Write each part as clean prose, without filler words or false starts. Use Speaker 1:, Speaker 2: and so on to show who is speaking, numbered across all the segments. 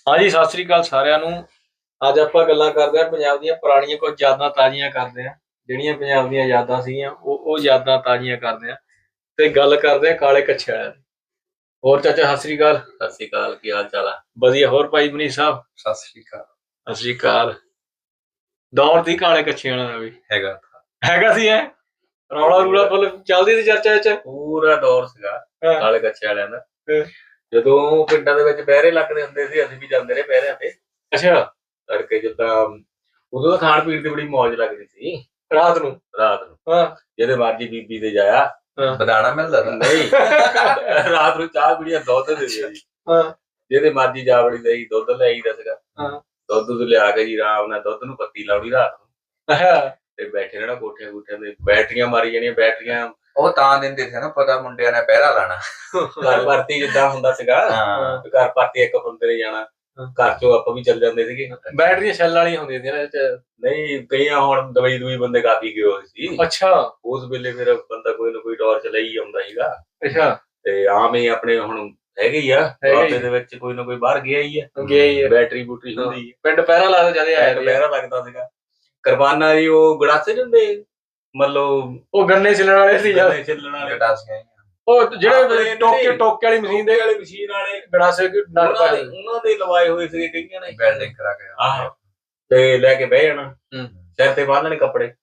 Speaker 1: ਹਾਂਜੀ, ਸਤਿ ਸ੍ਰੀ ਅਕਾਲ ਸਾਰਿਆਂ ਨੂੰ। ਅੱਜ ਆਪਾਂ ਗੱਲਾਂ ਕਰਦੇ ਹਾਂ ਪੰਜਾਬ ਦੀਆਂ ਪੁਰਾਣੀਆਂ ਕੁਝ ਯਾਦਾਂ ਤਾਜ਼ੀਆਂ ਕਰਦੇ ਹਾਂ। ਜਿਹੜੀਆਂ ਪੰਜਾਬ ਦੀਆਂ ਯਾਦਾਂ ਸੀਗੀਆਂ ਉਹ ਯਾਦਾਂ ਤਾਜ਼ੀਆਂ ਕਰਦੇ ਹਾਂ ਤੇ ਗੱਲ ਕਰਦੇ ਹਾਂ ਕਾਲੇ ਕੱਛੇ ਵਾਲਿਆਂ ਦੀ। ਹੋਰ ਚਾਚਾ, ਸਤਿ ਸ੍ਰੀ ਅਕਾਲ।
Speaker 2: ਸਤਿ ਸ੍ਰੀ ਅਕਾਲ, ਕੀ ਹਾਲ ਚਾਲ ਆ?
Speaker 1: ਵਧੀਆ। ਹੋਰ ਭਾਈ ਮਨੀਸ਼ ਸਾਹਿਬ?
Speaker 2: ਸਤਿ ਸ੍ਰੀ ਅਕਾਲ।
Speaker 1: ਸਤਿ ਸ੍ਰੀ ਅਕਾਲ। ਦੌਰ ਸੀ ਕਾਲੇ ਕੱਛੇ ਵਾਲਿਆਂ ਦਾ ਵੀ ਹੈਗਾ ਸੀ। ਰੌਲਾ ਰੂਲਾ ਫੁੱਲ ਚੱਲਦੀ ਸੀ ਚਰਚਾ ਚ,
Speaker 2: ਪੂਰਾ ਦੌਰ ਸੀਗਾ ਕਾਲੇ ਕੱਛੇ ਵਾਲਿਆਂ ਦਾ। ਜਦੋਂ ਪਿੰਡਾਂ ਦੇ ਵਿੱਚ ਪਹਿਰੇ ਲੱਗਦੇ ਹੁੰਦੇ ਸੀ, ਅਸੀਂ ਵੀ ਜਾਂਦੇ ਰਹੇ ਪਹਿਰਿਆਂ ਤੇ।
Speaker 1: ਅੱਛਾ।
Speaker 2: ਤੜਕੇ ਜਿੱਦਾਂ ਉਦੋਂ ਤਾਂ ਖਾਣ ਪੀਣ ਦੀ ਬੜੀ ਮੌਜ ਲੱਗਦੀ ਸੀ।
Speaker 1: ਰਾਤ ਨੂੰ
Speaker 2: ਜਿਹਦੇ ਮਰਜੀ ਬੀਬੀ ਦੇ ਜਾਇਆ, ਬਦਾਣਾ ਮਿਲਦਾ ਨਹੀਂ। ਰਾਤ ਨੂੰ ਚਾਹ ਪੀਣੀ, ਦੁੱਧ ਦੇ ਜੀ। ਜਿਹਦੇ ਮਰਜੀ ਜਾ ਵੜੀ ਲਈ ਦੁੱਧ ਲਿਆਈਦਾ ਸੀਗਾ। ਦੁੱਧ ਲਿਆ ਕੇ ਜੀ ਆਰਾਮ ਨਾਲ ਦੁੱਧ ਨੂੰ ਪੱਤੀ ਲਾਉਣੀ ਰਾਤ ਨੂੰ ਤੇ ਬੈਠੇ ਰਹਿਣਾ ਕੋਠਿਆਂ ਕੋਠਿਆਂ ਤੇ, ਬੈਟਰੀਆਂ ਮਾਰੀ ਜਾਣੀਆਂ। ਬੈਟਰੀਆਂ ਉਹ ਤਾਂ ਦਿੰਦੇ ਸੀ ਨਾ, ਪਤਾ ਮੁੰਡਿਆਂ ਨੇ ਪਹਿਰਾ ਲਾਣਾ। ਘਰ ਭਰਤੀ ਜਿੱਦਾਂ ਹੁੰਦਾ ਸੀਗਾ, ਘਰ ਭਰਤੀ ਇੱਕ ਬੰਦੇ ਨੇ ਜਾਣਾ, ਘਰ ਚੋਂ ਆਪਾਂ ਵੀ ਚੱਲ ਜਾਂਦੇ ਸੀਗੇ।
Speaker 1: ਬੈਟਰੀਆਂ ਛੱਲ ਵਾਲੀਆਂ ਹੁੰਦੀਆਂ ਸੀ
Speaker 2: ਨਹੀਂ, ਕਈਆਂ ਹੁਣ ਦਵਾਈ ਦੂਈ ਬੰਦੇ ਕਾਫੀ ਗਏ ਹੋਏ ਸੀ।
Speaker 1: ਅੱਛਾ।
Speaker 2: ਉਸ ਵੇਲੇ ਫਿਰ ਬੰਦਾ ਕੋਈ ਨਾ ਕੋਈ ਟਾਰਚ ਲਈ ਆਉਂਦਾ ਸੀਗਾ।
Speaker 1: ਅੱਛਾ।
Speaker 2: ਤੇ ਆਮ ਹੀ ਆਪਣੇ ਹੁਣ ਹੈਗੇ ਹੀ ਆ ਬਾਬੇ ਦੇ ਵਿੱਚ, ਕੋਈ ਨਾ ਕੋਈ ਬਾਹਰ ਗਿਆ ਹੀ ਆ, ਬੈਟਰੀ ਬੂਟਰੀ ਹੁੰਦੀ ਹੈ।
Speaker 1: ਪਿੰਡ ਪਹਿਰਾ ਲੱਗਦਾ ਜਿਆਦਾ
Speaker 2: ਪਹਿਰਾ ਲੱਗਦਾ ਸੀਗਾ। ਕੁਰਬਾਨਾ ਜੀ ਉਹ ਗੜਾਸੇ ਹੁੰਦੇ, ਮਤਲਬ
Speaker 1: ਉਹ ਗੰਨੇ ਛਿੱਲਣ ਵਾਲੇ ਸੀ,
Speaker 2: ਛਿੱਲਣ ਵਾਲੇ ਗੜਾਸੇ,
Speaker 1: ਉਹ ਜਿਹੜੇ ਟੋਕੇ ਵਾਲੀ ਮਸ਼ੀਨ ਦੇ
Speaker 2: ਵਾਲੇ
Speaker 1: ਗੜਾਸੇ
Speaker 2: ਉਹਨਾਂ ਦੇ ਲਵਾਏ ਹੋਏ ਸੀਗੇ ਕਈਆਂ ਨੇ, ਵੈਲਡਿੰਗ ਕਰਾ ਕੇ। ਆਹੋ, ਤੇ ਲੈ ਕੇ ਬਹਿ ਜਾਣਾ, ਸਿਰ ਤੇ ਬੰਨ੍ਹਣੇ ਕੱਪੜੇ।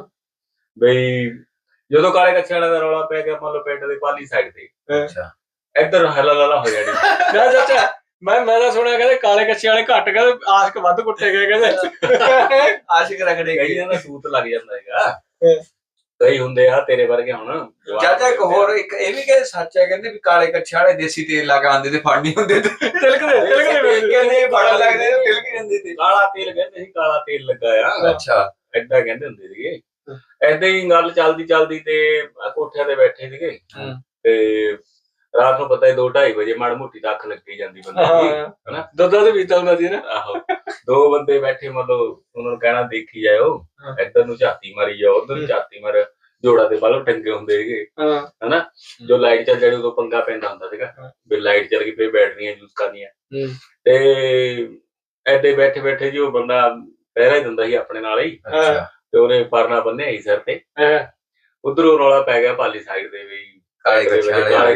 Speaker 2: ਬਈ ਜਦੋਂ ਕਾਲੇ ਕੱਛੇ ਵਾਲਿਆਂ ਦਾ ਰੌਲਾ ਪੈ ਗਿਆ, ਮੰਨ ਲਓ ਪਿੰਡ ਦੇ ਪਾਲੀ ਸਾਈਡ ਤੇ, ਇੱਧਰ ਹਲਾ ਲਾਲਾ ਹੋ ਜਾਣੀ।
Speaker 1: ਚਾਚਾ ਮੈਂ ਤਾਂ ਸੁਣਿਆ ਕਹਿੰਦੇ ਕਾਲੇ ਕੱਛੇ ਵਾਲੇ ਘੱਟ, ਕਹਿੰਦੇ ਆਸ਼ਕ ਵੱਧ ਕੁੱਟੇ ਗਏ, ਕਹਿੰਦੇ
Speaker 2: ਆਸ਼ਕ ਰੱਖਦੇ ਕਈਆਂ ਦਾ ਸੂਤ ਲੱਗ ਜਾਂਦਾ ਹੈਗਾ। ਕਈ ਹੁੰਦੇ ਆ ਤੇਰੇ ਵਰਗੇ। ਹੁਣ ਚਾਚਾ ਇੱਕ ਹੋਰ ਇੱਕ ਇਹ ਵੀ ਕਹਿੰਦੇ ਸੱਚ ਹੈ, ਕਹਿੰਦੇ ਵੀ ਕਾਲੇ ਕੱਛੇ ਵਾਲੇ ਦੇਸੀ ਤੇਲ ਲਾ ਕੇ ਆਉਂਦੇ ਤੇ ਫੜ ਨਹੀਂ ਹੁੰਦੇ, ਤਿਲਕਦੇ ਕਹਿੰਦੇ ਬੜਾ ਲੱਗਦੇ, ਤਿਲਕ ਜਾਂਦੇ ਤੇ। ਕਾਲਾ ਤੇਲ ਕਹਿੰਦੇ ਸੀ, ਕਾਲਾ ਤੇਲ ਲੱਗਾ ਆ। ਅੱਛਾ, ਏਦਾਂ ਕਹਿੰਦੇ ਹੁੰਦੇ ਸੀਗੇ। ਏਦਾਂ ਹੀ ਗੱਲ ਚੱਲਦੀ ਤੇ ਕੋਠਿਆਂ ਤੇ ਬੈਠੇ ਸੀਗੇ ਤੇ ਰਾਤ ਨੂੰ ਪਤਾ 2-2:30 ਵਜੇ ਮਾੜੀ ਮੋਟੀ ਤਾਂ ਅੱਖ ਲੱਗੀ ਜਾਂਦੀ ਬੰਦੇ ਦੀ, ਹਨਾ।
Speaker 1: ਦੁੱਧ ਵੀ ਚੱਲਦਾ ਸੀ ਨਾ।
Speaker 2: ਆਹੋ, ਦੋ ਬੰਦੇ ਬੈਠੇ, ਮਤਲਬ ਉਹਨਾਂ ਨੂੰ ਕਹਿਣਾ ਦੇਖੀ ਜਾਓ, ਇੱਧਰ ਨੂੰ ਝਾਤੀ ਮਾਰੀ ਜਾਓ, ਉੱਧਰ ਨੂੰ ਝਾਤੀ ਮਾਰ। ਜੋੜਾ ਦੇ ਬਲਬ ਟੰਗੇ ਹੁੰਦੇ ਸੀਗੇ, ਹਨਾ। ਜੋ ਲਾਈਟ ਚੱਲ ਜਾਣੀ ਉਦੋਂ ਪੰਗਾ ਪੈਂਦਾ ਹੁੰਦਾ ਸੀਗਾ, ਵੀ ਲਾਈਟ ਚੱਲ ਗਈ ਫਿਰ ਬੈਟਰੀਆਂ ਯੂਜ਼ ਕਰਨੀਆਂ। ਤੇ ਏਦਾਂ ਬੈਠੇ ਬੈਠੇ ਜੀ ਉਹ ਬੰਦਾ ਪਹਿਰਾ ਹੀ ਦਿੰਦਾ ਸੀ ਆਪਣੇ ਨਾਲ ਹੀ, ਤੇ ਉਹਨੇ ਪਰਨਾ ਬੰਨਿਆ ਸੀ ਸਿਰ ਤੇ। ਉਧਰੋਂ ਰੌਲਾ ਪੈ ਗਿਆ ਪਾਲੀ ਸਾਈਡ ਦੇ ਵੀ ਕਾਲੇ ਕੱਛੇ ਵਾਲੇ ਆ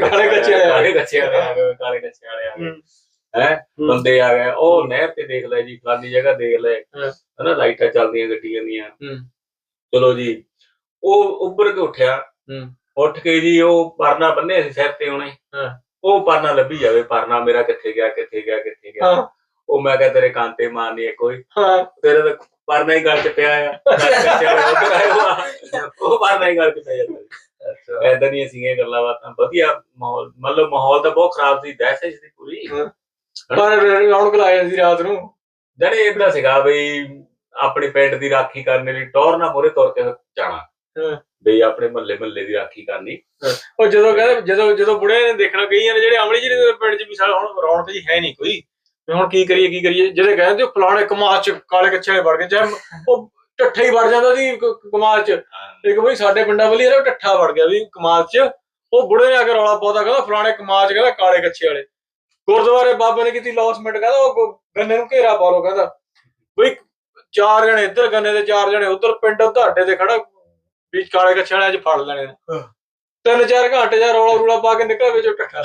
Speaker 2: ਗਏ, ਬੰਦੇ ਆ ਗਏ। ਉਹ ਨਹਿਰ ਤੇ ਦੇਖ ਲੈ ਜੀ, ਫਲਾਨੀ ਜਗ੍ਹਾ ਦੇਖ ਲੈ, ਹਨਾ, ਲਾਈਟਾਂ ਚੱਲਦੀਆਂ ਗੱਡੀਆਂ ਦੀਆਂ। ਚਲੋ ਜੀ, ਉਹ ਉੱਭਰ ਕੇ ਉੱਠਿਆ, ਉੱਠ ਕੇ ਜੀ ਉਹ ਪਰਨਾ ਬੰਨਿਆ ਸੀ ਸਿਰ ਤੇ ਉਹਨੇ, ਉਹ ਪਰਨਾ ਲੱਭੀ ਜਾਵੇ, ਪਰਨਾ ਮੇਰਾ ਕਿੱਥੇ ਗਿਆ ਕਿੱਥੇ ਗਿਆ ਕਿੱਥੇ ਗਿਆ। ਉਹ ਮੈਂ ਕਿਹਾ ਤੇਰੇ ਕਾਂਟੇ ਮਾਰਨੀ ਹੈ ਕੋਈ, ਤੇਰੇ ਤਾਂ ਪਰਨਾ ਹੀ ਗੱਲ ਚ ਪਿਆ ਆ। ਉਹ ਪਰਨਾ ਹੀ ਗੱਲ ਚ ਪਿਆ ਜਾਂਦਾ। ਏਦਾਂ ਦੀਆਂ ਸੀਗੀਆਂ ਗੱਲਾਂ ਬਾਤਾਂ, ਵਧੀਆ ਮਾਹੌਲ। ਮਤਲਬ ਮਾਹੌਲ ਤਾਂ ਬਹੁਤ ਖਰਾਬ ਸੀ, ਦਹਿਸ਼ਤ ਸੀ ਪੂਰੀ,
Speaker 1: ਪਰ ਰੌਣਕ ਲਾਇਆ ਸੀ ਰਾਤ ਨੂੰ।
Speaker 2: ਜਾਣੀ ਏਦਾਂ ਸੀਗਾ ਬਈ ਆਪਣੇ ਪਿੰਡ ਦੀ ਰਾਖੀ ਕਰਨ ਲਈ ਟੌਰ ਨਾਲ ਮੂਹਰੇ ਤੁਰ ਕੇ ਜਾਣਾ, ਬਈ ਆਪਣੇ ਮਹੱਲੇ ਦੀ ਰਾਖੀ ਕਰਨੀ।
Speaker 1: ਉਹ ਜਦੋਂ ਕਹਿੰਦੇ ਜਦੋਂ ਬੁੜੇ ਨੇ ਦੇਖਣਾ, ਕਈਆਂ ਨੇ ਜਿਹੜੇ ਅਮਲੀ ਜਿਹੜੇ ਪਿੰਡ ਚ ਵੀ ਹੁਣ ਰੌਣਕ ਜੀ ਹੈ ਨੀ ਕੋਈ, ਹੁਣ ਕੀ ਕਰੀਏ ਜਿਹੜੇ ਕਹਿੰਦੇ ਫਲਾਣੇ ਕਮਾਦ ਚ ਕਾਲੇ ਕੱਛੇ ਵਾਲੇ ਵੜ ਗਏ, ਚਾਹੇ ਉਹ ਢੱਠਾ ਹੀ ਵੜ ਜਾਂਦਾ ਸੀ ਕਮਾਦ ਚ। ਇੱਕ ਬਈ ਸਾਡੇ ਪਿੰਡਾਂ ਵਾਲੀ ਢੱਠਾ ਵੜ ਗਿਆ ਵੀ ਕਮਾਦ ਚ, ਉਹ ਬੁੜੇ ਨੇ ਆ ਕੇ ਰੌਲਾ ਪਾਉਂਦਾ, ਕਹਿੰਦਾ ਫਲਾਣੇ ਕਮਾਦ ਚ, ਕਹਿੰਦਾ ਕਾਲੇ ਕੱਛੇ ਵਾਲੇ। ਗੁਰਦੁਆਰੇ ਬਾਬੇ ਨੇ ਕੀਤੀ ਲੌਸਮੈਂਟ, ਕਹਿੰਦਾ ਉਹ ਗੰਨੇ ਨੂੰ ਘੇਰਾ ਪਾ ਲੋ, ਕਹਿੰਦਾ ਬਈ 4 ਜਣੇ ਇੱਧਰ ਗੰਨੇ ਦੇ 4 ਜਣੇ ਉੱਧਰ, ਪਿੰਡ ਤੁਹਾਡੇ ਤੇ ਖੜਾ ਵੀ ਕਾਲੇ ਕੱਛੇ ਵਾਲੇ ਅੱਜ ਫੜ ਲੈਣੇ ਨੇ। 3-4 ਘੰਟੇ ਜਾਂ ਰੌਲਾ ਰੂਲਾ ਪਾ ਕੇ ਨਿਕਲ ਵਿੱਚੋਂ ਢੱਠਾ।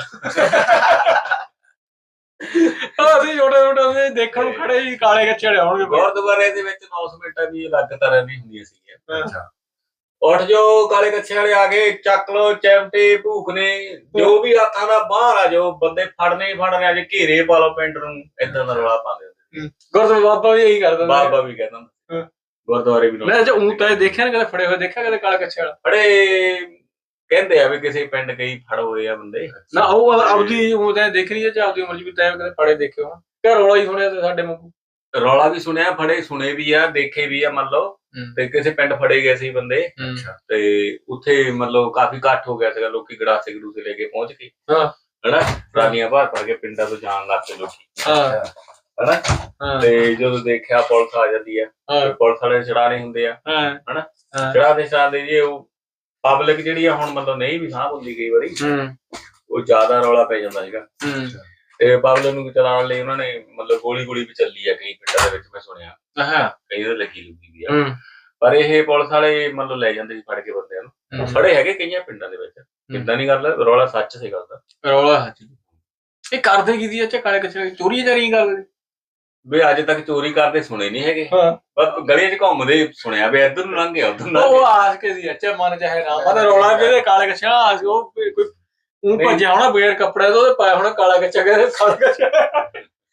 Speaker 1: ਅਸੀਂ ਛੋਟੇ ਦੇਖਣ ਨੂੰ ਖੜੇ ਸੀ, ਕਾਲੇ ਕੱਛੇ ਵਾਲੇ ਆਉਣਗੇ।
Speaker 2: ਗੁਰਦੁਆਰੇ ਦੇ ਵਿੱਚ ਅਨਾਉਂਸਮੈਂਟਾਂ ਵੀ ਅਲੱਗ ਤਰ੍ਹਾਂ ਦੀ ਹੁੰਦੀਆਂ ਸੀਗੀਆਂ। ਉੱਠ ਜਾਓ, ਕਾਲੇ ਕੱਛੇ ਵਾਲੇ ਆ ਗਏ, ਚੱਕ ਲੋ ਚਿਮਟੇ ਭੂਖਨੇ, ਜੋ ਵੀ ਹੱਥਾਂ ਦਾ ਬਾਹਰ ਆ ਜਾਓ, ਬੰਦੇ ਫੜਨੇ ਹੀ ਫੜਨੇ, ਅੱਜ ਘੇਰੇ ਪਾ ਲਓ ਪਿੰਡ ਨੂੰ। ਏਦਾਂ ਦਾ ਰੌਲਾ ਪਾਉਂਦੇ ਹੁੰਦੇ।
Speaker 1: ਗੁਰਦੁਆਰੇ ਬਾਬਾ ਵੀ ਇਹੀ ਕਰਦਾ,
Speaker 2: ਬਾਬਾ ਵੀ ਕਹਿੰਦਾ ਗੁਰਦੁਆਰੇ ਵੀ।
Speaker 1: ਮੈਂ ਊਂ ਤਾਂ ਦੇਖਿਆ ਨਾ, ਕਦੇ ਫੜੇ ਹੋਏ ਦੇਖਿਆ ਕਦੇ ਕਾਲੇ ਕੱਛੇ ਵਾਲਾ?
Speaker 2: ਫੜੇ ਕਹਿੰਦੇ ਆ ਵੀ ਕਿਸੇ ਪਿੰਡ ਕਈ ਫੜ ਹੋਏ ਆ ਬੰਦੇ
Speaker 1: ਨਾ, ਉਹ ਆਪਦੀ ਉਹ ਤਾਂ ਦੇਖ ਰਹੀ ਹੈ ਜਾਂ ਆਪਦੀ ਉਮਰ ਚ ਵੀ ਤੈਂ ਕਦੇ ਫੜੇ ਦੇਖੇ ਹੋਣ? ਕਿ ਰੌਲਾ ਹੀ ਸੁਣਿਆ ਤੇ ਸਾਡੇ ਵਾਂਗੂ?
Speaker 2: ਰੌਲਾ ਵੀ ਸੁਣਿਆ, ਫੜੇ ਸੁਣੇ ਵੀ ਆ, ਦੇਖੇ ਵੀ ਆ। ਮੰਨ ਲਓ ਤੇ ਕਿਸੇ ਪਿੰਡ ਫੜੇ ਗਏ ਸੀ ਬੰਦੇ, ਤੇ ਉੱਥੇ ਮਤਲਬ ਕਾਫੀ ਇਕੱਠ ਹੋ ਗਿਆ ਸੀਗਾ, ਲੋਕੀ ਗੜਾਸੇ ਗੜੂਸੇ ਲੈ ਕੇ ਪਹੁੰਚ ਗਏ, ਹਨਾ, ਟਰਾਲੀਆਂ ਭਰ ਕੇ ਪਿੰਡਾਂ ਤੋਂ ਜਾਣ ਲੱਗ ਪਏ ਲੋਕੀ, ਹਨਾ। ਤੇ ਜਦੋਂ ਦੇਖਿਆ ਪੁਲਿਸ ਆ ਜਾਂਦੀ ਆ, ਪੁਲਿਸ ਵਾਲੇ ਛੜਾਣੇ ਹੁੰਦੇ ਆ, ਹਨਾ, ਛੜਾਦੇ ਜੀ। ਉਹ ਪਬਲਿਕ ਜਿਹੜੀ ਆ ਹੁਣ ਮਤਲਬ ਨਹੀਂ ਵੀ ਸਾਂਭ ਹੁੰਦੀ ਕਈ ਵਾਰੀ, ਉਹ ਜ਼ਿਆਦਾ ਰੌਲਾ ਪੈ ਜਾਂਦਾ ਸੀਗਾ। ਤੇ ਪਬਲਿਕ ਨੂੰ ਚਲਾਉਣ ਲਈ ਉਹਨਾਂ ਨੇ ਮਤਲਬ ਗੋਲੀ ਵੀ ਚੱਲੀ ਆ ਕਈ ਪਿੰਡਾਂ ਦੇ ਵਿੱਚ, ਮੈਂ ਸੁਣਿਆ ਕਈ ਦੇ ਲੱਗੀ ਲੁੱਗੀ ਵੀ ਆ। ਪਰ ਇਹ ਪੁਲਿਸ ਵਾਲੇ ਮਤਲਬ ਲੈ ਜਾਂਦੇ ਸੀ ਫੜ ਕੇ ਬੰਦਿਆਂ ਨੂੰ, ਫੜੇ ਹੈਗੇ ਕਈਆਂ ਪਿੰਡਾਂ ਦੇ ਵਿੱਚ। ਕਿੱਦਾਂ ਨੀ ਗੱਲ, ਰੌਲਾ ਸੱਚ ਸੀ ਗੱਲ ਦਾ,
Speaker 1: ਰੌਲਾ ਸੱਚ। ਇਹ ਕਰਦੇ ਕੀ ਦੀ ਅੱਛਾ ਕਾਲੇ ਕੱਛੇ ਚੋਰੀ ਚਾਰੀ ਕਰਦੇ
Speaker 2: ਵੀ ਅੱਜ ਤੱਕ ਚੋਰੀ ਕਰਦੇ ਸੁਣੇ ਨੀ ਹੈਗੇ, ਬਸ ਗਲੀਆਂ 'ਚ ਘੁੰਮਦੇ ਸੁਣਿਆ ਵੀ ਇੱਧਰ ਨੂੰ ਲੰਘ ਗਿਆ ਉੱਧਰ ਨੂੰ।
Speaker 1: ਉਹ ਆਸ ਕੇ ਸੀ ਅੱਛਾ ਮਨ ਚਾਹੇ ਨਾ ਮਨ ਰੌਲਾ ਵੀ ਇਹਦੇ ਕਾਲੇ ਕੱਛਾ ਆਸ ਉਹ ਕੋਈ ਉਹ ਭੱਜਿਆ ਹੋਣਾ ਬਗੈਰ ਕੱਪੜੇ ਤੋਂ, ਉਹਦੇ ਪਾਇਆ ਹੋਣਾ ਕਾਲਾ ਕੱਛਾ, ਕਹਿੰਦੇ ਕਾਲਾ ਕੱਛਾ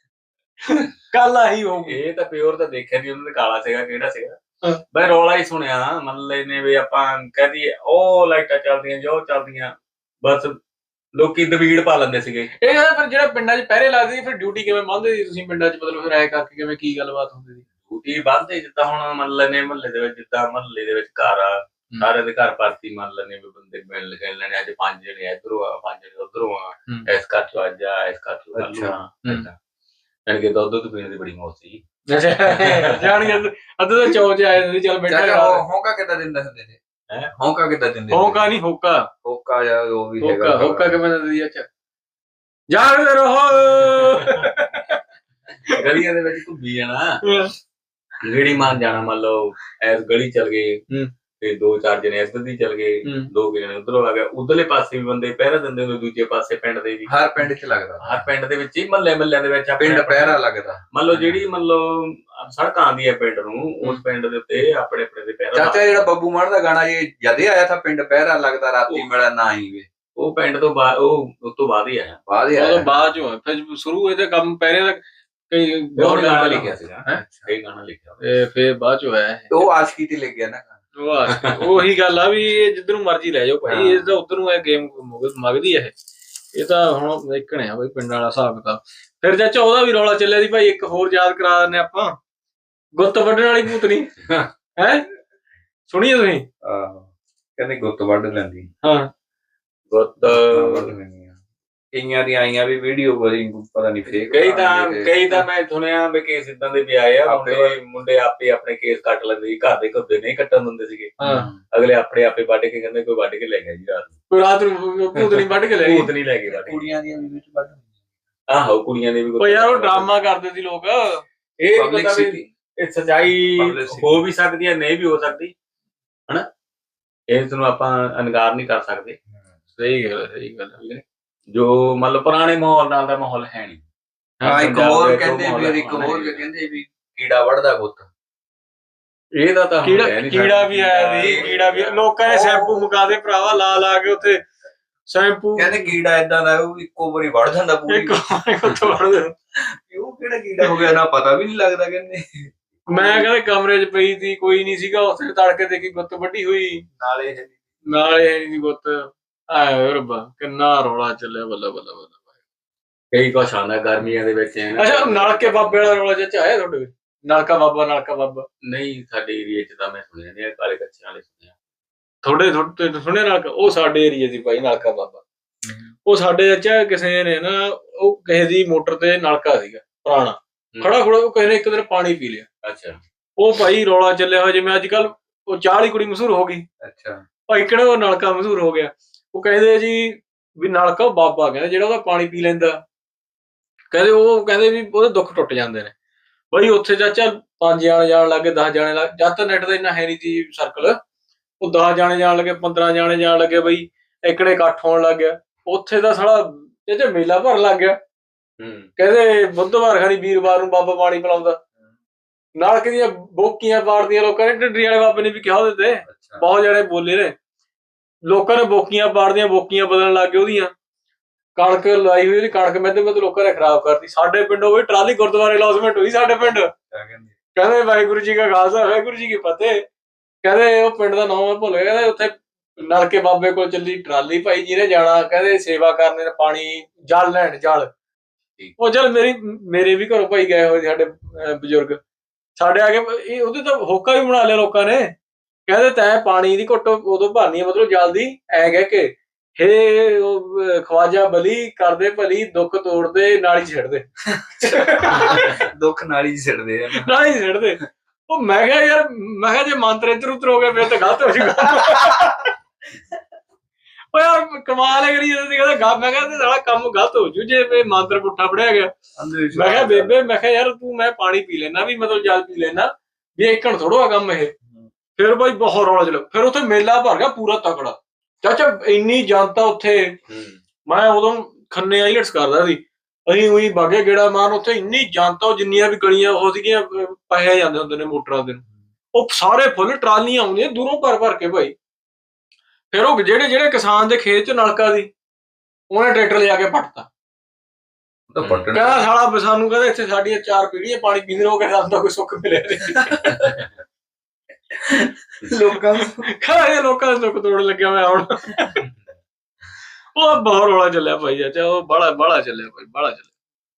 Speaker 1: ਕੱਲ ਆਹੀ ਹੋਊਗੀ।
Speaker 2: ਇਹ ਤਾਂ ਪਿਓਰ ਤਾਂ ਦੇਖਿਆ ਨੀ ਉਹਨਾਂ ਨੇ ਕਾਲਾ ਸੀਗਾ ਕਿਹੜਾ ਸੀਗਾ, ਬਈ ਰੌਲਾ ਹੀ ਸੁਣਿਆ ਮਤਲਬ ਨੇ ਵੀ ਆਪਾਂ ਕਹਿ ਦਈਏ ਉਹ ਲਾਈਟਾਂ ਚੱਲਦੀਆਂ ਜੋ ਚੱਲਦੀਆਂ, ਬਸ ਲੋਕੀ ਦਵੀੜ ਪਾ ਲੈਂਦੇ ਸੀਗੇ।
Speaker 1: ਇਹ ਫਿਰ ਜਿਹੜਾ ਪਿੰਡਾਂ 'ਚ ਪਹਿਰੇ ਲੱਗਦੇ ਸੀ ਫਿਰ ਡਿਊਟੀ ਕਿਵੇਂ ਬੰਨ੍ਹਦੇ ਸੀ ਤੁਸੀਂ ਪਿੰਡਾਂ 'ਚ, ਮਤਲਬ ਫਿਰ ਐ ਕਰਕੇ ਕਿਵੇਂ ਕੀ ਗੱਲਬਾਤ ਹੁੰਦੀ ਸੀ?
Speaker 2: ਡਿਊਟੀ ਬੰਨ੍ਹਦੇ ਜਿੱਦਾਂ ਹੁਣ ਮੰਨ ਲੈਣੇ ਮਹੱਲੇ ਦੇ ਵਿੱਚ, ਜਿੱਦਾਂ ਮਹੱਲੇ ਦੇ ਵਿੱਚ ਘਰ ਆ, ਸਾਰਿਆਂ ਦੇ ਘਰ ਭਰਤੀ ਮੰਨ ਲੈਣੇ ਵੀ ਬੰਦੇ ਮਿਲ ਲੈਣੇ, ਅੱਜ 5 ਜਣੇ ਇੱਧਰੋਂ ਆ 5 ਜਣੇ ਉੱਧਰੋਂ ਆ, ਇਸ ਘਰ 'ਚੋਂ ਅੱਜ ਆ ਇਸ ਘਰ 'ਚੋਂ ਕੱਲ੍ਹ ਆ। ਯਾਨੀ ਕਿ ਦੁੱਧ ਪੀਣ ਦੀ ਬੜੀ ਮੌਜ ਸੀ।
Speaker 1: ਜਾਣੀ ਅੱਧ ਤਾਂ ਚੌਚ ਆਏ ਹੁੰਦੇ ਚੱਲ ਬੈਠਾ।
Speaker 2: ਹੋਂਕਾ ਕਿੱਦਾਂ ਦਿੰਦੇ ਹੁੰਦੇ ਨੇ? ਹੋਂਕਾ ਕਿੱਦਾਂ ਦਿੰਦੇ?
Speaker 1: ਹੋਂਕਾ ਨਹੀਂ ਹੋਕਾ,
Speaker 2: ਹੋਕਾ ਜਾਂ ਉਹ ਵੀ ਹੈਗਾ।
Speaker 1: ਹੋਕਾ ਕਿਵੇਂ ਦਿੰਦੀ? ਅੱਛਾ ਜਾਗਦੇ ਰਹੋ।
Speaker 2: ਗਲੀਆਂ ਦੇ ਵਿੱਚ ਘੁੰਮੀ ਜਾਣਾ, ਗੇੜੀ ਮਾਰਨ ਜਾਣਾ। ਮੰਨ ਲਓ ਐਸ ਗਲੀ ਚੱਲ ਗਏ ਤੇ 2-4 ਜਣੇ ਇੱਧਰ ਦੀ ਚੱਲ ਗਏ, 2 ਜਣੇ ਉੱਧਰੋਂ ਆ ਗਏ, ਉਧਰਲੇ ਪਾਸੇ ਵੀ ਬੰਦੇ ਪਹਿਰਾ ਦਿੰਦੇ ਹੁੰਦੇ, ਦੂਜੇ ਪਾਸੇ ਪਿੰਡ ਦੇ ਵੀ। ਹਰ ਪਿੰਡ 'ਚ ਲੱਗਦਾ, ਹਰ ਪਿੰਡ ਦੇ ਵਿੱਚ ਹੀ ਮਹੱਲਿਆਂ ਦੇ ਵਿੱਚ ਪਿੰਡ ਪਹਿਰਾ ਲੱਗਦਾ। ਮੰਨ ਲਓ ਜਿਹੜੀ ਮੰਨ ਲਓ ਸੜਕ ਆਉਂਦੀ ਹੈ ਪਿੰਡ ਨੂੰ, ਉਸ ਪਿੰਡ ਦੇ ਉੱਤੇ ਆਪਣੇ ਦੇ ਪਹਿਰਾ। ਚਾਚਾ ਜਿਹੜਾ ਬੱਬੂ ਮਾਨ ਦਾ ਗਾਣਾ ਜੇ ਜਦੇ ਆਇਆ ਤਾਂ ਪਿੰਡ ਪਹਿਰਾ ਲੱਗਦਾ ਰਾਤੀ ਮਿਲਿਆ ਨਾ ਹੀ ਵੇ, ਉਹ ਪਿੰਡ ਤੋਂ ਬਾਅਦ ਉਹ ਉਸ ਤੋਂ ਬਾਅਦ ਹੀ ਆਇਆ।
Speaker 1: ਬਾਅਦ ਚੋਂ ਫਿਰ ਸ਼ੁਰੂ ਇਹਦਾ ਕੰਮ ਪਹਿਰੇ ਦਾ ਕਈ
Speaker 2: ਗਾਣਾ ਲਿਖਿਆ ਸੀਗਾ, ਕਈ ਗਾਣਾ ਲਿਖਿਆ
Speaker 1: ਫਿਰ ਬਾਅਦ ਚੋਂ ਆਇਆ।
Speaker 2: ਉਹ ਆਸ਼ਕੀ ਤੇ ਲਿਖ ਗਿਆ ਨਾ,
Speaker 1: ਉਹੀ ਗੱਲ ਆ ਵੀ ਇਹ ਜਿੱਧਰ ਨੂੰ ਮਰਜ਼ੀ ਲੈ ਜਾਓ ਭਾਈ, ਇਹ ਤਾਂ ਉਧਰ ਨੂੰ ਇਹ ਗੇਮ ਮੰਗਦੀ ਹੈ। ਇਹ ਤਾਂ ਹੁਣ ਦੇਖਣੇ ਆ ਬਈ ਪਿੰਡਾਂ ਵਾਲਾ ਹਿਸਾਬ ਕਿਤਾਬ। ਫਿਰ ਚਾਚਾ ਉਹਦਾ ਵੀ ਰੌਲਾ ਚੱਲਿਆ ਸੀ ਭਾਈ, ਇੱਕ ਹੋਰ ਯਾਦ ਕਰਾ ਦਿੰਦੇ ਆਪਾਂ, ਗੁੱਤ ਵੱਢਣ ਵਾਲੀ ਭੂਤਨੀ ਹੈ, ਸੁਣੀਏ ਤੁਸੀਂ?
Speaker 2: ਕਹਿੰਦੇ ਗੁੱਤ ਵੱਢ ਲੈਂਦੀ।
Speaker 1: ਹਾਂ
Speaker 2: ਗੁੱਤ ਕਈਆਂ ਦੀ ਆਈਆਂ ਵੀ ਵੀਡੀਓ ਬੜੀ ਪਤਾ ਨਹੀਂ ਫੇਕ, ਕਈ ਤਾਂ ਮੈਂ ਸੁਣਿਆ ਵੀ ਕੇਸ ਇਦਾਂ ਦੇ ਵੀ ਆਏ ਆ, ਮੁੰਡੇ ਆਪੇ ਆਪਣੇ ਕੇਸ ਕੱਟ ਲੈਂਦੇ ਸੀ, ਘਰ ਦੇ ਘੁੱਦੇ ਨਹੀਂ ਕੱਟਣ ਦਿੰਦੇ ਸੀਗੇ, ਅਗਲੇ ਆਪਣੇ ਆਪੇ ਵੱਢ ਕੇ ਕਹਿੰਦੇ ਕੋਈ ਵੱਢ ਕੇ ਲੈ ਗਿਆ ਜੀ ਰਾਤ ਨੂੰ
Speaker 1: ਭੂਤਨੀ ਵੱਢ ਕੇ ਲੈ ਗਈ,
Speaker 2: ਭੂਤਨੀ ਲੈ ਗਏ। ਕੁੜੀਆਂ ਦੀਆਂ ਵੀ ਵਿੱਚ ਵੱਢ, ਆਹੋ ਕੁੜੀਆਂ ਦੇ ਵੀ।
Speaker 1: ਯਾਰ ਉਹ ਡਰਾਮਾ ਕਰਦੇ ਸੀ ਲੋਕ,
Speaker 2: ਇਹ ਪਤਾ ਵੀ ਇਹ ਸੱਚਾਈ ਹੋ ਵੀ ਸਕਦੀ ਹੈ ਨਹੀਂ ਵੀ ਹੋ ਸਕਦੀ, ਹਨਾ, ਇਸ ਨੂੰ ਆਪਾਂ ਇਨਕਾਰ ਨਹੀਂ ਕਰ ਸਕਦੇ।
Speaker 1: ਸਹੀ ਗੱਲ।
Speaker 2: ਜੋ ਮਤਲਬ ਪੁਰਾਣੇ ਮਾਹੌਲ ਨਾਲ ਦਾ ਮਾਹੌਲ ਹੈ ਨਹੀਂ। ਇੱਕ ਹੋਰ ਕਹਿੰਦੇ ਵੀ ਕੀੜਾ ਵੱਢਦਾ ਗੁੱਤ, ਇਹਦਾ ਤਾਂ
Speaker 1: ਕੀੜਾ ਵੀ ਆਇਆ ਸੀ, ਕੀੜਾ ਵੀ ਲੋਕਾਂ ਨੇ ਸ਼ੈਂਪੂ ਮੁਕਾ ਦੇ ਭਰਾਵਾ ਲਾ ਕੇ ਉੱਥੇ ਸ਼ੈਂਪੂ,
Speaker 2: ਕਹਿੰਦੇ ਕੀੜਾ ਏਦਾਂ ਦਾ ਉਹ ਇੱਕੋ ਵਾਰੀ ਵੱਢ ਜਾਂਦਾ ਪੂਰੀ। ਉਹ ਕਿਹੜਾ ਕੀੜਾ ਹੋ ਗਿਆ ਨਾ ਪਤਾ ਵੀ ਨਹੀਂ ਲੱਗਦਾ। ਕਹਿੰਦੇ
Speaker 1: ਮੈਂ ਕਹਿੰਦੇ ਕਮਰੇ 'ਚ ਪਈ ਸੀ, ਕੋਈ ਨਹੀਂ ਸੀਗਾ ਉੱਥੇ, ਤੜਕੇ ਦੇਖੀ ਗੁੱਤ ਵੱਢੀ ਹੋਈ, ਨਾਲੇ ਨਹੀਂ ਗੁੱਤ। ਆਏ ਰੱਬਾ ਕਿੰਨਾ ਰੌਲਾ ਚੱਲਿਆ, ਬੱਲਾ।
Speaker 2: ਕਈ ਕੁਛ ਆਉਂਦਾ ਗਰਮੀਆਂ ਦੇ ਵਿੱਚ।
Speaker 1: ਅੱਛਾ ਨਲਕੇ ਬਾਬੇ ਵਾਲਾ ਰੌਲਾ ਚਾਚਾ ਆਇਆ ਤੁਹਾਡੇ? ਨਲਕਾ ਬਾਬਾ
Speaker 2: ਨਹੀਂ, ਸਾਡੇ ਏਰੀਏ 'ਚ ਤਾਂ ਮੈਂ ਸੁਣਿਆ ਨਹੀਂ, ਕਾਲੇ ਕੱਛਿਆਂ ਵਾਲੇ ਸੁਣਿਆ।
Speaker 1: ਤੁਹਾਡੇ ਸੁਣਿਆ ਨਲਕਾ? ਉਹ ਸਾਡੇ ਏਰੀਏ ਦੀ ਭਾਈ ਨਲਕਾ ਬਾਬਾ, ਉਹ ਸਾਡੇ ਚਾਚਾ ਕਿਸੇ ਨੇ ਨਾ, ਉਹ ਕਿਸੇ ਦੀ ਮੋਟਰ ਤੇ ਨਲਕਾ ਸੀਗਾ ਪੁਰਾਣਾ ਖੜਾ, ਉਹ ਕਿਸੇ ਨੇ ਇੱਕ ਦਿਨ ਪਾਣੀ ਪੀ ਲਿਆ।
Speaker 2: ਅੱਛਾ,
Speaker 1: ਉਹ ਭਾਈ ਰੌਲਾ ਚੱਲਿਆ ਹੋਇਆ ਜਿਵੇਂ ਅੱਜ ਕੱਲ ਉਹ ਚਾਹ ਵਾਲੀ ਕੁੜੀ ਮਸ਼ਹੂਰ ਹੋ ਗਈ।
Speaker 2: ਅੱਛਾ
Speaker 1: ਭਾਈ ਕਿਹੜਾ ਉਹ ਨਲਕਾ ਮਸ਼ਹੂਰ ਹੋ ਗਿਆ। ਉਹ ਕਹਿੰਦੇ ਜੀ ਵੀ ਨਲਕਾ ਉਹ ਬਾਬਾ ਕਹਿੰਦੇ ਜਿਹੜਾ ਉਹਦਾ ਪਾਣੀ ਪੀ ਲੈਂਦਾ, ਕਹਿੰਦੇ ਵੀ ਉਹਦੇ ਦੁੱਖ ਟੁੱਟ ਜਾਂਦੇ ਨੇ। ਬਈ ਉੱਥੇ ਚਾਚਾ 5 ਜਾਣੇ ਜਾਣ ਲੱਗੇ, 10 ਜਾਣੇ ਲੱਗ, ਜਦ ਤਾਂ ਨੈਟ ਦਾ ਇੰਨਾ ਹੈ ਨਹੀਂ ਸੀ ਸਰਕਲ, ਉਹ 10 ਜਾਣੇ ਜਾਣ ਲੱਗੇ, 15 ਜਾਣੇ ਜਾਣ ਲੱਗੇ, ਬਈ ਇਕੜੇ ਇਕੱਠ ਹੋਣ ਲੱਗ ਗਿਆ। ਉੱਥੇ ਤਾਂ ਸਾਲਾ ਇਹ ਮੇਲਾ ਭਰਨ ਲੱਗ ਗਿਆ। ਕਹਿੰਦੇ ਬੁੱਧਵਾਰ ਖਾਣੀ ਵੀਰਵਾਰ ਨੂੰ ਬਾਬਾ ਪਾਣੀ ਪਿਲਾਉਂਦਾ, ਨਲਕੇ ਦੀਆਂ ਬੋਕੀਆਂ ਪਾੜਦੀਆਂ ਲੋਕਾਂ ਨੇ। ਢੱਡਰੀ ਵਾਲੇ ਬਾਬੇ ਨੇ ਵੀ ਕਿਹਾ ਉਹਦੇ ਤੇ, ਬਹੁਤ ਜਾਣੇ ਬੋਲੇ ਨੇ, ਲੋਕਾਂ ਨੇ ਬੋਕੀਆਂ ਪਾੜਦੀਆਂ, ਬੋਕੀਆਂ ਬਦਲਣ ਲੱਗ ਗਏ ਉਹਦੀਆਂ। ਕਣਕ ਲਾਈ ਹੋਈ ਉਹਦੀ, ਕਣਕ ਮਹਿੰਦੇ ਲੋਕਾਂ ਨੇ ਖਰਾਬ ਕਰਤੀ। ਸਾਡੇ ਪਿੰਡੋਂ ਵੀ ਟਰਾਲੀ ਗੁਰਦੁਆਰੇ ਲੌਸਮੈਂਟ ਹੋਈ ਸਾਡੇ ਪਿੰਡ। ਕਹਿੰਦੇ ਵਾਹਿਗੁਰੂ ਜੀ ਕਾ ਖਾਲਸਾ ਵਾਹਿਗੁਰੂ ਜੀ ਕੀ ਫਤਿਹ। ਕਹਿੰਦੇ ਉਹ ਪਿੰਡ ਦਾ ਨਾਮ ਮੈਂ ਭੁੱਲ ਗਿਆ। ਕਹਿੰਦੇ ਉੱਥੇ ਨਲਕੇ ਬਾਬੇ ਕੋਲ ਚੱਲੀ ਟਰਾਲੀ, ਭਾਈ ਜਿਹਨੇ ਜਾਣਾ ਕਹਿੰਦੇ ਸੇਵਾ ਕਰਨੇ ਨੇ, ਪਾਣੀ ਜਲ ਲੈਣ, ਜਲ ਉਹ ਜਲ ਮੇਰੇ ਵੀ ਘਰੋਂ ਭਾਈ ਗਏ ਹੋਏ ਸਾਡੇ ਬਜ਼ੁਰਗ ਸਾਡੇ ਆ ਕੇ, ਉਹਦੇ ਤਾਂ ਹੋਕਾ ਵੀ ਬਣਾ ਲਿਆ ਲੋਕਾਂ ਨੇ। ਕਹਿੰਦੇ ਤੈਂ ਪਾਣੀ ਦੀ ਘੁੱਟ ਉਦੋਂ ਭਰਨੀ ਹੈ, ਮਤਲਬ ਜਲਦੀ ਐ ਕਹਿ ਕੇ, ਹੇ ਖਵਾਜਾ ਬਲੀ ਕਰਦੇ ਭਲੀ, ਦੁੱਖ ਤੋੜਦੇ ਨਾਲੀ ਛੱਡਦੇ।
Speaker 2: ਦੁੱਖ ਨਾਲੀ ਛੱਡਦੇ,
Speaker 1: ਨਾਲੀ ਛੱਡਦੇ। ਉਹ ਮੈਂ ਕਿਹਾ ਯਾਰ, ਮੈਂ ਕਿਹਾ ਜੇ ਮੰਤਰ ਇੱਧਰ ਉੱਧਰ ਹੋ ਗਿਆ ਫਿਰ ਤਾਂ ਗਲਤ ਹੋ ਜੂਗਾ। ਓ ਯਾਰ ਕਮਾਲ ਹੈ ਕਰੀ ਜਾਂਦੇ ਕਹਿੰਦਾ ਮੈਂ ਕਿਹਾ ਤੇ ਸਾਲਾ ਕੰਮ ਗਲਤ ਹੋ ਜੂ ਜੇ ਮੰਤਰ ਪੁੱਠਾ ਪੜਿਆ ਗਿਆ। ਮੈਂ ਕਿਹਾ ਬੇਬੇ ਮੈਂ ਕਿਹਾ ਯਾਰ ਤੂੰ ਮੈਂ ਪਾਣੀ ਪੀ ਲੈਣਾ ਵੀ ਮਤਲਬ ਜਲ ਪੀ ਲੈਣਾ ਵੀ ਏਕਣ ਥੋੜੋ ਆ ਕੰਮ ਇਹ। ਫਿਰ ਬਾਈ ਬਹੁਤ ਰੌਲਾ ਚੱਲਿਆ। ਫਿਰ ਉੱਥੇ ਮੇਲਾ ਭਰ ਗਿਆ ਪੂਰਾ ਤਕੜਾ ਚਾਚਾ ਇੰਨੀ ਜਨਤਾ ਉੱਥੇ। ਮੈਂ ਉਦੋਂ ਖੰਨੇ ਆਈਲਟਸ ਕਰਦਾ ਸੀ ਅਸੀਂ ਉਹੀ ਬਾਗੇ ਗੇੜਾ ਮਾਰਨ ਉੱਥੇ ਇੰਨੀ ਜਨਤਾ ਜਿੰਨੀਆਂ ਵੀ ਗਲੀਆਂ ਉਹ ਸੀਗੀਆਂ ਪਏ ਜਾਂਦੇ ਹੁੰਦੇ ਨੇ ਮੋਟਰਾਂ ਦੇ ਉਹ ਸਾਰੇ ਫੁੱਲ ਟਰਾਲੀਆਂ ਆਉਂਦੀਆਂ ਦੂਰੋਂ ਭਰ ਭਰ ਕੇ ਭਾਈ। ਫਿਰ ਉਹ ਜਿਹੜੇ ਕਿਸਾਨ ਦੇ ਖੇਤ 'ਚ ਨਲਕਾ ਸੀ ਉਹਨੇ ਟਰੈਕਟਰ ਲਿਆ ਕੇ ਪੱਟਤਾ। ਕਹਿੰਦਾ ਸਾਲਾ ਸਾਨੂੰ ਕਹਿੰਦਾ ਇੱਥੇ ਸਾਡੀਆਂ 4 ਪੀੜ੍ਹੀਆਂ ਪਾਣੀ ਪੀਂਦੇ ਹੋ ਕੇ ਸਾਨੂੰ ਤਾਂ ਕੋਈ ਸੁੱਖ ਮਿਲਿਆ ਨਹੀਂ। ਲੋਕਾਂ ਦਾ ਸੁੱਖ ਤੋੜਨ ਲੱਗਿਆ ਹੋਇਆ ਹੁਣ। ਉਹ ਬਹੁਤ ਰੌਲਾ ਚੱਲਿਆ ਭਾਈ ਚਾਚਾ ਉਹ ਬਾਹਲਾ ਚੱਲਿਆ ਭਾਈ ਬਾਹਲਾ ਚੱਲਿਆ।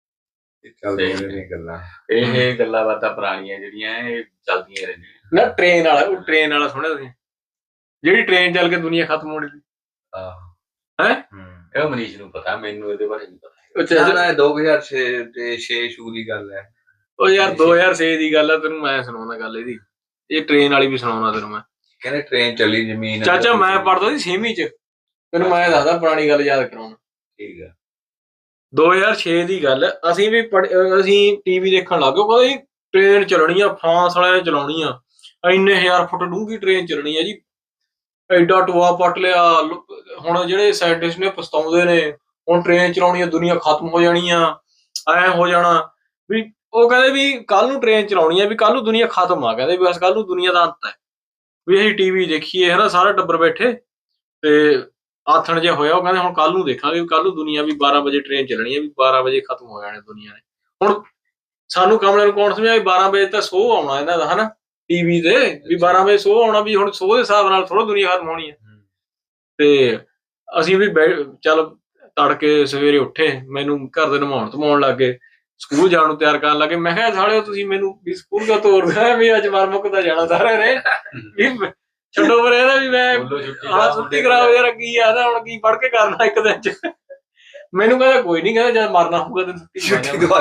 Speaker 2: ਇਹ ਗੱਲਾਂ ਬਾਤਾਂ ਪੁਰਾਣੀਆਂ ਜਿਹੜੀਆਂ ਇਹ ਚੱਲਦੀਆਂ ਰਹਿੰਦੀਆਂ
Speaker 1: ਨਾ। ਟ੍ਰੇਨ ਵਾਲਾ ਸੁਣਿਆ ਤੁਸੀਂ ਜਿਹੜੀ ਟ੍ਰੇਨ ਚੱਲ ਕੇ ਦੁਨੀਆ ਖਤਮ ਹੋਣੀ ਸੀ? ਹੈ
Speaker 2: ਇਹ ਮਨੀਸ਼ ਨੂੰ ਪਤਾ ਮੈਨੂੰ ਇਹਦੇ ਬਾਰੇ ਨਹੀਂ ਪਤਾ। 2006 ਸ਼ੂ ਦੀ ਗੱਲ ਹੈ।
Speaker 1: ਉਹ ਯਾਰ 2006 ਦੀ ਗੱਲ ਹੈ ਤੈਨੂੰ ਮੈਂ ਸੁਣਾਉਣਾ ਗੱਲ ਇਹਦੀ। ਇਹ ਟ੍ਰੇਨ ਵਾਲੀ ਵੀ ਸੁਣਾਉਣਾ ਤੈਨੂੰ ਮੈਂ।
Speaker 2: ਕਹਿੰਦੇ ਟ੍ਰੇਨ ਚੱਲੀ ਜ਼ਮੀਨ
Speaker 1: ਚਾਚਾ ਮੈਂ ਪੜ੍ਹਦਾ ਸੀ 6ਵੀਂ 'ਚ ਤੈਨੂੰ ਮੈਂ ਦੱਸਦਾ ਪੁਰਾਣੀ ਗੱਲ ਯਾਦ ਕਰਾਉਣਾ।
Speaker 2: ਠੀਕ ਆ
Speaker 1: 2006 ਦੀ ਗੱਲ। ਅਸੀਂ ਵੀ ਅਸੀਂ ਟੀਵੀ ਦੇਖਣ ਲੱਗ ਗਏ ਕਹਿੰਦੇ ਟ੍ਰੇਨ ਚੱਲਣੀ ਆ ਫਰਾਂਸ ਵਾਲਿਆਂ ਨੇ ਚਲਾਉਣੀ ਆ ਇੰਨੇ 1000 ਫੁੱਟ ਡੂੰਘੀ ਟ੍ਰੇਨ ਚੱਲਣੀ ਆ ਜੀ। ਐਡਾ ਟੋਆ ਪੱਟ ਲਿਆ। ਹੁਣ ਜਿਹੜੇ ਸਾਇੰਟਿਸਟ ਨੇ ਪਛਤਾਉਂਦੇ ਨੇ ਹੁਣ ਟ੍ਰੇਨ ਚਲਾਉਣੀ ਆ ਦੁਨੀਆ ਖਤਮ ਹੋ ਜਾਣੀ ਆ ਐ ਹੋ ਜਾਣਾ ਵੀ। ਉਹ ਕਹਿੰਦੇ ਵੀ ਕੱਲ ਨੂੰ ਟ੍ਰੇਨ ਚਲਾਉਣੀ ਆ ਵੀ ਕੱਲ ਨੂੰ ਦੁਨੀਆ ਖਤਮ ਆ ਕਹਿੰਦੇ ਵੀ ਬਸ ਕੱਲ ਨੂੰ ਦੁਨੀਆ ਦਾ ਅੰਤ ਹੈ ਵੀ ਅਸੀਂ ਟੀਵੀ ਦੇਖੀਏ ਹਨਾ ਸਾਰਾ ਟੱਬਰ ਬੈਠੇ ਤੇ ਆਥਣ ਜਿਹਾ ਹੋਇਆ। ਉਹ ਕਹਿੰਦੇ ਹੁਣ ਕੱਲ ਨੂੰ ਦੇਖਾਂਗੇ ਵੀ ਕੱਲ ਨੂੰ ਦੁਨੀਆ ਵੀ 12 ਵਜੇ ਟ੍ਰੇਨ ਚੱਲਣੀ ਹੈ ਵੀ 12 ਵਜੇ ਖਤਮ ਹੋ ਜਾਣੇ ਦੁਨੀਆ ਨੇ। ਹੁਣ ਸਾਨੂੰ ਕਮਲੇ ਨੂੰ ਕੌਣ ਸਮਝਿਆ ਵੀ 12 ਵਜੇ ਤਾਂ ਸੋਹ ਆਉਣਾ ਇਹਨਾਂ ਦਾ ਹਨਾ ਟੀਵੀ ਤੇ ਵੀ 12 ਵਜੇ ਸੋਹ ਆਉਣਾ ਵੀ ਹੁਣ ਸੋਹ ਦੇ ਹਿਸਾਬ ਨਾਲ ਥੋੜਾ ਦੁਨੀਆ ਖਤਮ ਹੋਣੀ ਹੈ। ਤੇ ਅਸੀਂ ਵੀ ਚੱਲ ਤੜਕੇ ਸਵੇਰੇ ਉੱਠੇ ਮੈਨੂੰ ਘਰ ਦੇ ਨਹਾਉਣ ਧਮਾਉਣ ਲੱਗ ਗਏ ਸਕੂਲ ਜਾਣ ਨੂੰ ਤਿਆਰ ਕਰਨ ਲੱਗੇ। ਮੈਂ ਕਿਹਾ ਸਾਲਿਓ ਤੁਸੀਂ ਮੈਨੂੰ ਵੀ ਸਕੂਲ ਦਾ ਤੋਰਦਾ ਵੀ ਅੱਜ ਮਰ ਮੁੱਕਦਾ ਜਾਣਾ ਸਾਰਿਆਂ ਨੇ ਵੀ ਛੱਡੋ ਪਰ ਇਹਦਾ ਵੀ ਮੈਂ ਆਹ ਛੁੱਟੀ ਕਰਾਓ ਯਾਰ ਕੀ ਆ ਨਾ ਹੁਣ ਕੀ ਪੜ੍ਹ ਕੇ ਕਰਨਾ ਇੱਕ ਦਿਨ 'ਚ। ਮੈਨੂੰ ਕਹਿੰਦਾ ਕੋਈ ਨੀ ਕਹਿੰਦਾ ਜਦ ਮਰਨਾ ਹੋਊਗਾ ਤੈਨੂੰ ਛੁੱਟੀ ਦਵਾ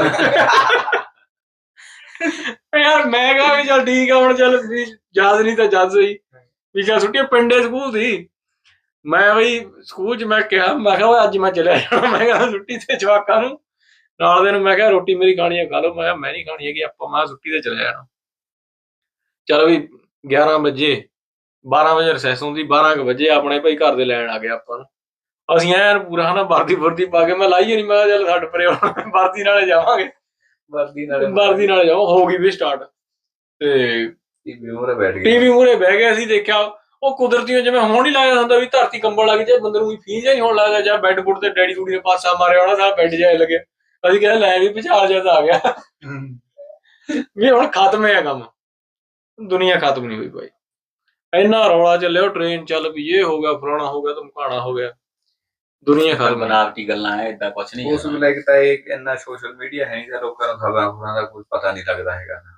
Speaker 1: ਯਾਰ। ਮੈਂ ਕਿਹਾ ਵੀ ਚੱਲ ਠੀਕ ਆ ਹੁਣ ਚੱਲ ਯਾਦ ਨਹੀਂ ਤਾਂ ਜਦ ਸਹੀ ਵੀ ਚੱਲ ਛੁੱਟੀ ਪਿੰਡੇ ਸਕੂਲ ਸੀ। ਮੈਂ ਬਈ ਸਕੂਲ 'ਚ ਮੈਂ ਕਿਹਾ ਮੈਂ ਕਿਹਾ ਅੱਜ ਮੈਂ ਚਲਿਆ ਜਾਣਾ। ਮੈਂ ਕਿਹਾ ਛੁੱਟੀ ਤੇ ਜਵਾਕਾਂ ਨੂੰ ਨਾਲ ਦੇ ਨੂੰ ਮੈਂ ਕਿਹਾ ਰੋਟੀ ਮੇਰੀ ਖਾਣੀ ਹੈ ਖਾ ਲਓ। ਮੈਂ ਕਿਹਾ ਮੈਂ ਨਹੀਂ ਖਾਣੀ ਹੈਗੀ ਆਪਾਂ ਮੈਂ ਛੁੱਟੀ ਤੇ ਚਲਿਆ ਜਾਣਾ। ਚਲੋ ਵੀ 11 ਵਜੇ 12 ਵਜੇ ਰਿਸੈਸ ਹੁੰਦੀ 12 ਵਜੇ ਆਪਣੇ ਭਾਈ ਘਰ ਦੇ ਲੈਣ ਆ ਗਏ ਆਪਾਂ ਨੂੰ। ਅਸੀਂ ਐਨ ਪੂਰਾ ਹਨਾ ਵਰਦੀ ਪਾ ਕੇ ਮੈਂ ਲਾਈਏ ਨੀ ਮੈਂ ਕਿਹਾ ਚੱਲ ਛੱਡ ਪਰੇ ਵਰਦੀ ਨਾਲੇ ਜਾਵਾਂਗੇ ਵਰਦੀ ਨਾਲੇ ਜਾਵਾਂ। ਹੋ ਗਈ ਵੀ ਸਟਾਰਟ ਤੇ ਟੀਵੀ ਮੂਹਰੇ ਬਹਿ ਗਏ। ਅਸੀਂ ਦੇਖਿਆ ਉਹ ਕੁਦਰਤੀਓ ਜਿਵੇਂ ਹੁਣ ਹੀ ਲੱਗਦਾ ਹੁੰਦਾ ਵੀ ਧਰਤੀ ਕੰਬਣ ਲੱਗ ਜਾਏ ਬੰਦੇ ਨੂੰ ਫੀਲ ਜਿਹਾ ਨਹੀਂ ਹੋਣ ਲੱਗਦਾ ਜਾਂ ਬੈੱਡ ਬੁੱਡ ਤੇ ਡੈਡੀ ਡੂਡੀ ਨੇ ਪਾਸਾ ਮਾਰਿਆ ਹੋਣਾ ਸਾਰਾ ਬੈੱਡ ਜਿਹਾ ਲੱਗਿਆ। ਅਸੀਂ ਕਹਿੰਦੇ ਲੈ ਵੀ ਭੁਚਾਲ ਜਿਹਾ ਤਾਂ ਆ ਗਿਆ ਵੀ ਹੁਣ ਖਤਮ ਹੈ ਕੰਮ ਦੁਨੀਆ ਖਤਮ ਨਹੀਂ ਹੋਈ ਭਾਈ। ਇੰਨਾ ਰੌਲਾ ਚੱਲਿਆ ਟ੍ਰੇਨ ਚੱਲ ਵੀ ਇਹ ਹੋ ਗਿਆ ਫਲਾਣਾ ਹੋ ਗਿਆ ਧਮਕਾਣਾ ਹੋ ਗਿਆ ਦੁਨੀਆ ਖਤਮ।
Speaker 2: ਬਣਾਵਟੀ ਗੱਲਾਂ ਹੈ ਏਦਾਂ ਕੁਛ ਨਹੀਂ। ਉਸ ਵੇਲੇ ਤਾਂ ਇਹ ਇੰਨਾ ਸੋਸ਼ਲ ਮੀਡੀਆ ਹੈ ਨਹੀਂ ਲੋਕਾਂ ਨੂੰ ਖਬਰਾਂ ਦਾ ਕੋਈ ਪਤਾ ਨਹੀਂ ਲੱਗਦਾ ਹੈਗਾ।